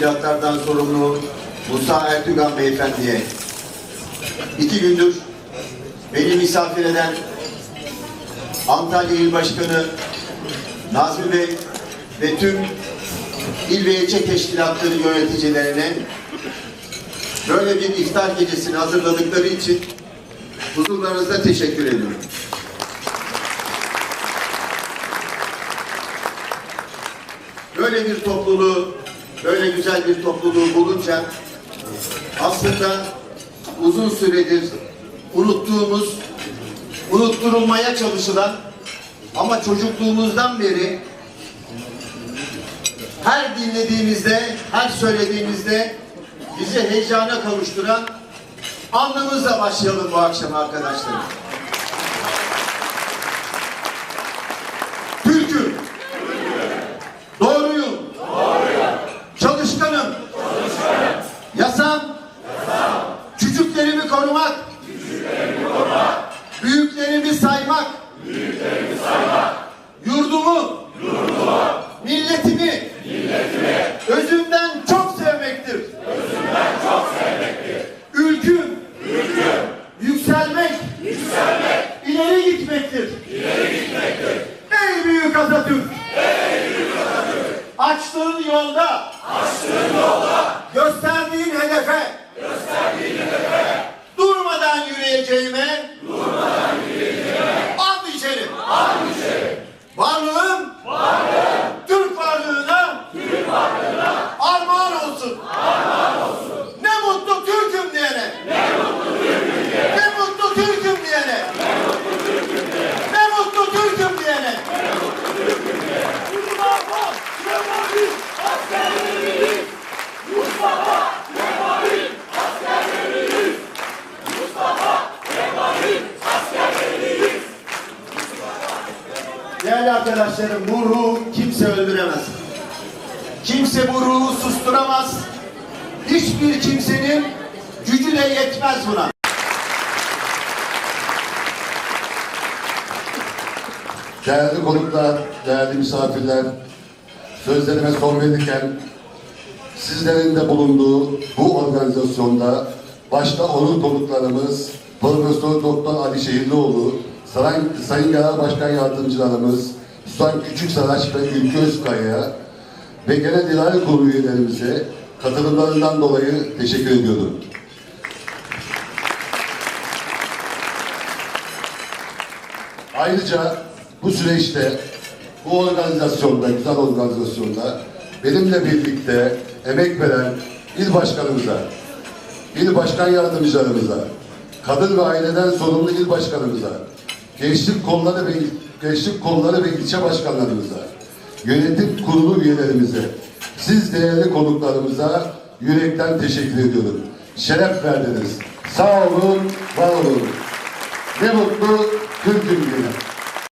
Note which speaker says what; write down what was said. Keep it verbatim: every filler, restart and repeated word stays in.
Speaker 1: teşkilatlardan sorumlu Musa Ertügan Beyefendi'ye, iki gündür beni misafir eden Antalya İl Başkanı Nazmi Bey ve tüm il ve ilçe teşkilatları yöneticilerine böyle bir iftar gecesini hazırladıkları için huzurlarınızda teşekkür ediyorum. Böyle bir topluluğu, böyle güzel bir topluluğu bulunca aslında uzun süredir unuttuğumuz, unutturulmaya çalışılan ama çocukluğumuzdan beri her dinlediğimizde, her söylediğimizde bizi heyecana kavuşturan anlamızla başlayalım bu akşam arkadaşlar. Türk'üm. Doğruyum. Doğruyum. Çalışkanım. Çalışkanım. Yasam. Yasam. Küçüklerimi korumak. Küçüklerimi korumak. Büyüklerimi saymak. Büyüklerimi saymak. Yurdumu. Yurdumu. Milletimi. Milletimi. Özümden çok sevmektir. Özümden çok sevmektir. Ülküm. Ülküm. Yükselmek. Yükselmek. İleri gitmektir. İleri gitmektir. Ey büyük Atatürk. Ey büyük Atatürk. Açtığın yolda. Açtığın yolda. Gösterdiğin hedefe. Gösterdiğin hedefe. Durmadan yürüyeceğime. Durmadan yürüyeceğime. And içerim. And içerim. Varlığım. Varlığım. Türk varlığına. Türk varlığına. Armağan olsun. Armağan olsun. Ne mutlu Türk'üm diyene. Ne mutlu Türk'üm diyene. Ne mutlu Türk'üm diyene. Ne mutlu Türk'üm diyene. Ne mutlu Türk'üm diyene. Ne mutlu Türk'üm diyene. Mustafa Kemal'in askerleriyiz. Mustafa Kemal'in askerleriyiz. Mustafa Kemal'in askerleriyiz. Değerli arkadaşlarım, bu ruhu kimse öldüremez. Kimse bu ruhu susturamaz. Hiçbir kimsenin gücü de yetmez buna.
Speaker 2: Değerli konuklar, değerli misafirler, sözlerime son verirken sizlerin de bulunduğu bu organizasyonda başta onur konuklarımız Profesör Doktor Ali Şehirlioğlu, Sayın, Sayın Genel Başkan Yardımcılarımız Susan Küçüksaraç ve Ülke Özkaya ve Genel İdare Kurulu üyelerimize katılımlarından dolayı teşekkür ediyorum. Ayrıca bu süreçte, bu organizasyonda, güzel organizasyonda benimle birlikte emek veren il başkanımıza, il başkan yardımcılarımıza, kadın ve aileden sorumlu il başkanımıza, gençlik kolları ve gençlik kolları ve ilçe başkanlarımıza, yönetim kurulu üyelerimize, siz değerli konuklarımıza yürekten teşekkür ediyorum. Şeref verdiniz. Sağ olun, var olun. Ne mutlu Türk'üm diye.